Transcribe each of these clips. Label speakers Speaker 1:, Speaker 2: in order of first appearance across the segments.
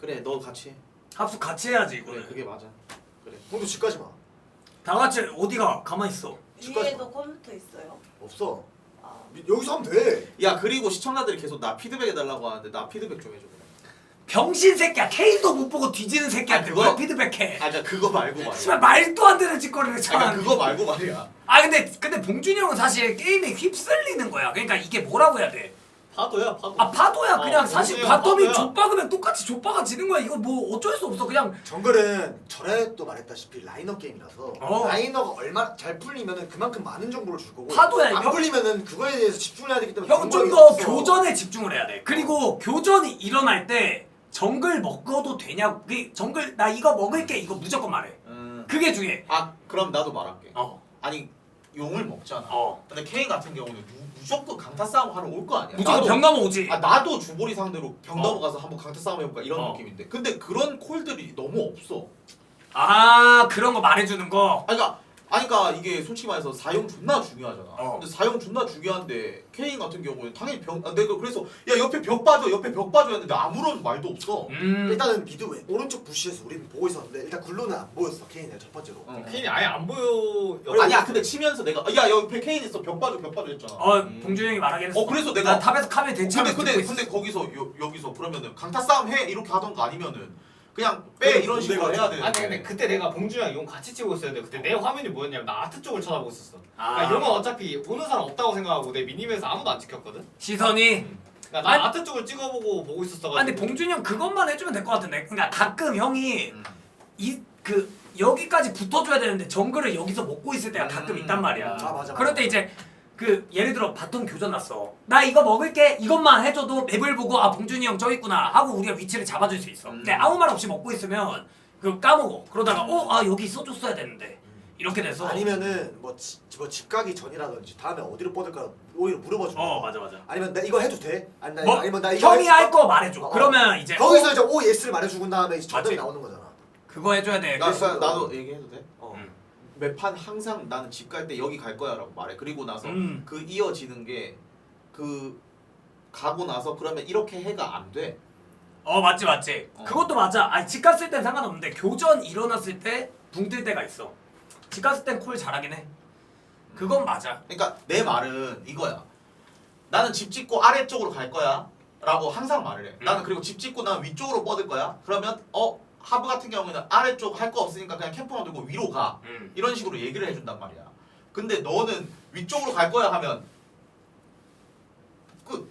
Speaker 1: 그래 너 같이 해.
Speaker 2: 합숙 같이 해야지
Speaker 1: 그래
Speaker 2: 이거는.
Speaker 1: 그게 맞아. 그래.
Speaker 3: 형도 집까지 마.
Speaker 2: 다 같이 어디가 가만 있어.
Speaker 3: 집까지
Speaker 4: 위에도 컴퓨터 있어요?
Speaker 3: 없어.
Speaker 4: 아,
Speaker 3: 여기서 하면 돼.
Speaker 1: 야 그리고 시청자들이 계속 나 피드백 해달라고 하는데 나 피드백 좀 해줘. 그래.
Speaker 2: 병신 새끼야. 케인도 못 보고 뒤지는 새끼한테
Speaker 1: 그거-
Speaker 2: 왜 피드백해?
Speaker 1: 아 그거 말고 말이야.
Speaker 2: 씨발 말도 안 되는 짓거리를 참.
Speaker 1: 그러니까 그거 말고 말이야.
Speaker 2: 아 근데 봉준이 형은 사실 게임에 휩쓸리는 거야. 그러니까 이게 뭐라고 해야 돼?
Speaker 5: 파도야 파도.
Speaker 2: 아 파도야. 그냥 사실
Speaker 5: 봉준이 형
Speaker 2: 바텀이
Speaker 5: 파도야.
Speaker 2: 족박으면 똑같이 족박아 지는 거야. 이거 뭐 어쩔 수 없어. 그냥
Speaker 3: 정글은 전에 또 말했다시피 라이너 게임이라서
Speaker 2: 어.
Speaker 3: 라이너가 얼마나 잘 풀리면은 그만큼 많은 정보를 줄 거고
Speaker 2: 파도야,
Speaker 3: 안
Speaker 2: 형.
Speaker 3: 풀리면은 그거에 대해서 집중을 해야 되기 때문에
Speaker 2: 형은 좀
Speaker 3: 정보력이
Speaker 2: 더
Speaker 3: 없어.
Speaker 2: 교전에 집중을 해야 돼. 그리고 교전이 일어날 때 정글 먹어도 되냐고. 그 정글 나 이거 먹을게 이거 무조건 말해. 그게 중요해.
Speaker 1: 아 그럼 나도 말할게.
Speaker 2: 어.
Speaker 1: 아니 용을 먹잖아.
Speaker 2: 어.
Speaker 1: 근데 케인 같은 경우는 무조건 강타 싸움 하러 올 거 아니야.
Speaker 2: 무조건
Speaker 1: 나도-
Speaker 2: 병 넘어 오지.
Speaker 1: 아 나도 주보리 상대로 병
Speaker 2: 어.
Speaker 1: 넘어가서 한번 강타 싸움 해볼까 이런
Speaker 2: 어.
Speaker 1: 느낌인데. 근데 그런 콜들이 너무 없어.
Speaker 2: 아 그런 거 말해주는 거.
Speaker 1: 그러니까 이게 솔직히 말해서 사용 존나 중요하잖아.
Speaker 2: 어.
Speaker 1: 근데 사용 존나 중요한데 케인 같은 경우는 당연히 내가 그래서 야 옆에 벽 빠져 했는데 아무런 말도 없어.
Speaker 3: 일단은 미드 왼 오른쪽 부시에서 우리 보고 있었는데 일단 글로는 안 보였어 케인이 첫 번째로.
Speaker 1: 어.
Speaker 5: 케인이 아예 안 보여.
Speaker 1: 아니야 근데 치면서 내가 야 옆에 케인 있어 벽 빠져 했잖아.
Speaker 2: 봉준이 형이 말하긴 했어.
Speaker 1: 그래서 내가
Speaker 2: 나 탑에서 카메 대처를
Speaker 1: 근데 거기서 여기서 그러면은 강타 싸움 해 이렇게 하던가 아니면은 그냥 빼 이런 식으로 해야 돼.
Speaker 5: 아니 근데 그때 내가 봉준이랑 용 같이 찍고 있었는데 그때 내 화면이 뭐였냐면 나 아트 쪽을 쳐다보고 있었어.
Speaker 2: 아.
Speaker 5: 그러니까 용은 어차피 오는 사람 없다고 생각하고 내 미니맵에서 아무도 안 찍혔거든.
Speaker 2: 시선이.
Speaker 5: 그러니까 나
Speaker 2: 아니-
Speaker 5: 아트 쪽을 찍어보고 보고 있었어가지고.
Speaker 2: 아 근데 봉준이 형 그것만 해주면 될 것 같은데. 그러니까 가끔 형이 여기까지 붙어줘야 되는데 정글을 여기서 먹고 있을 때가 가끔 있단 말이야.
Speaker 3: 아, 맞아.
Speaker 2: 그럴 때 이제 예를 들어 바텀 교전 났어. 나 이거 먹을게. 이것만 해줘도 맵을 보고 아 봉준이 형 저 있구나 하고 우리가 위치를 잡아줄 수 있어. 근데 아무 말 없이 먹고 있으면 그 까먹어. 그러다가 여기 있어줬어야 되는데 이렇게 돼서.
Speaker 3: 아니면은 뭐 집 가기 전이라든지 다음에 어디로 뻗을까 오히려 물어봐 주고.
Speaker 2: 맞아.
Speaker 3: 아니면 나 이거 해도 돼?
Speaker 2: 뭐
Speaker 3: 아니면 나 이거
Speaker 2: 형이
Speaker 3: 해도
Speaker 2: 할 거 말해줘.
Speaker 3: 어.
Speaker 2: 그러면 이제
Speaker 3: 거기서 이제 오 예스를 말해주고 다음에 이제
Speaker 2: 맞지.
Speaker 3: 저들이 나오는 거잖아.
Speaker 2: 그거 해줘야 돼.
Speaker 1: 나도 얘기해도 돼?
Speaker 2: 음.
Speaker 1: 매판 항상 나는 집 갈 때 여기 갈 거야라고 말해. 그리고 나서 그 이어지는 게 가고 나서 그러면 이렇게 해가 안 돼.
Speaker 2: 맞지. 그것도 맞아. 아니 집 갔을 땐 상관없는데 교전 일어났을 때 붕 뜰 때가 있어. 집 갔을 땐 콜 잘하긴 해. 그건 맞아.
Speaker 1: 그러니까 내 말은 이거야. 나는 집 짓고 아래쪽으로 갈 거야 라고 항상 말을 해. 나는 그리고 집 짓고 난 위쪽으로 뻗을 거야. 그러면 하부 같은 경우에는 아래쪽 할 거 없으니까 그냥 캠퍼만 들고 위로 가. 이런 식으로 얘기를 해준단 말이야. 근데 너는 위쪽으로 갈 거야 하면 끝.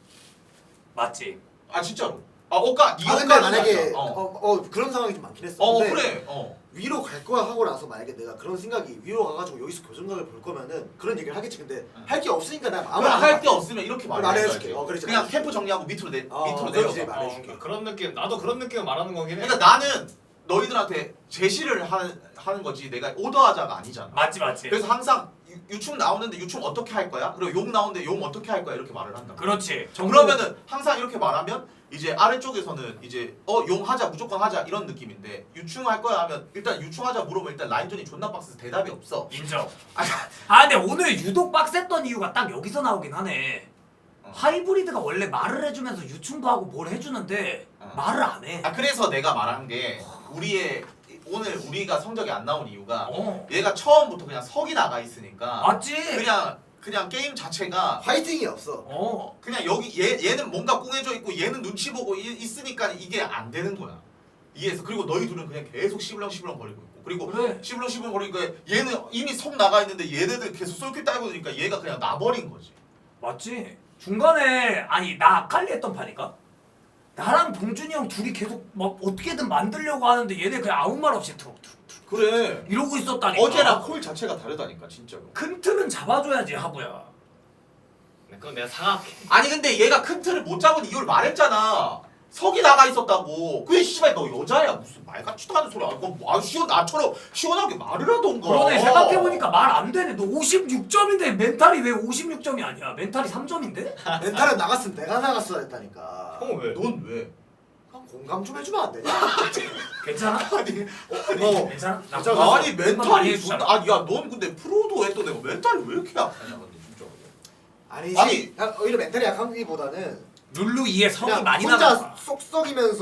Speaker 2: 맞지.
Speaker 1: 아 진짜로. 네가
Speaker 3: 근데 만약에 그런 상황이 좀 많긴 했어. 근데
Speaker 1: 그래.
Speaker 3: 위로 갈 거야 하고 나서 만약에 내가 그런 생각이 위로 가가지고 여기서 교정각을 볼 거면은 그런 얘기를 하겠지. 근데 할 게 없으니까 내가 아무
Speaker 1: 할게 없으면 이렇게
Speaker 3: 말해줄게.
Speaker 1: 말해줄게.
Speaker 3: 그렇지.
Speaker 1: 그냥 캠프 정리하고 밑으로
Speaker 3: 그렇지,
Speaker 1: 내려가.
Speaker 3: 말해줄게.
Speaker 5: 그런 느낌. 나도 그런 느낌을 말하는 거긴 해.
Speaker 1: 그러니까 나는 너희들한테 제시를 하는 거지 내가 오더하자가 아니잖아.
Speaker 2: 맞지.
Speaker 1: 그래서 항상 유충 나오는데 유충 어떻게 할 거야? 그리고 용 나오는데 용 어떻게 할 거야? 이렇게 말을 한다.
Speaker 2: 그렇지.
Speaker 1: 그러면은 항상 이렇게 말하면 이제 아래쪽에서는 이제 용 하자 무조건 하자 이런 느낌인데 유충 할 거야 하면 일단 유충 하자 물어보면 일단 라인전이 존나 빡세서 대답이 없어.
Speaker 2: 인정. 근데 오늘 유독 빡셌던 이유가 딱 여기서 나오긴 하네. 하이브리드가 원래 말을 해주면서 유충도 하고 뭘 해주는데 말을 안 해.
Speaker 1: 그래서 내가 말한 게 오늘 우리가 성적이 안 나온 이유가 얘가 처음부터 그냥 석이 나가 있으니까
Speaker 2: 맞지.
Speaker 1: 그냥 게임 자체가
Speaker 3: 화이팅이 없어.
Speaker 1: 그냥 여기 얘는 뭔가 꽁해져 있고 얘는 눈치 보고 있으니까 이게 안 되는 거야. 이해해서. 그리고 너희 둘은 그냥 계속 시블렁시블렁 거리고 있고 그리고
Speaker 2: 그래.
Speaker 1: 시블렁시블렁 거리니까 얘는 이미 속 나가 있는데 얘네들 계속 쏠킬 따고 있으니까 얘가 그냥 나버린 거지.
Speaker 2: 맞지. 중간에 나 아칼리 했던 판이니까 나랑 봉준이 형 둘이 계속 막 어떻게든 만들려고 하는데 얘네 그냥 아무 말 없이
Speaker 1: 그래.
Speaker 2: 이러고 있었다니까.
Speaker 1: 어제랑 콜 자체가 다르다니까 진짜로.
Speaker 2: 큰 틀은 잡아줘야지 하부야.
Speaker 5: 그건 내가 사각해.
Speaker 1: 아니 근데 얘가 큰 틀을 못 잡은 이유를 말했잖아. 석이 나가 있었다고. 그게 씨발 너 여자야 무슨 말 같지도 않은 소리. 나처럼 시원하게 말을 하던가.
Speaker 2: 그러네. 생각해보니까 말 안 되네. 너 56점인데 멘탈이 왜 56점이 아니야? 멘탈이 3점인데?
Speaker 3: 멘탈은 나갔으면 내가 나갔어야 했다니까.
Speaker 5: 형은 왜?
Speaker 1: 넌 왜?
Speaker 3: 그냥 공감 좀 해주면 안 되냐?
Speaker 2: 괜찮아? 괜찮아?
Speaker 1: 아니
Speaker 2: 많이
Speaker 1: 멘탈이
Speaker 2: 해주잖아.
Speaker 1: 존나. 넌 근데 프로도 했던 애가 멘탈이 왜 이렇게 약하냐 근데 진짜.
Speaker 3: 아니지.
Speaker 1: 아니.
Speaker 3: 오히려 멘탈이 약한 거기보다는
Speaker 2: 룰루 2에 성이
Speaker 3: 그냥
Speaker 2: 많이
Speaker 3: 혼자
Speaker 2: 나가.
Speaker 3: 쏙 썩이면서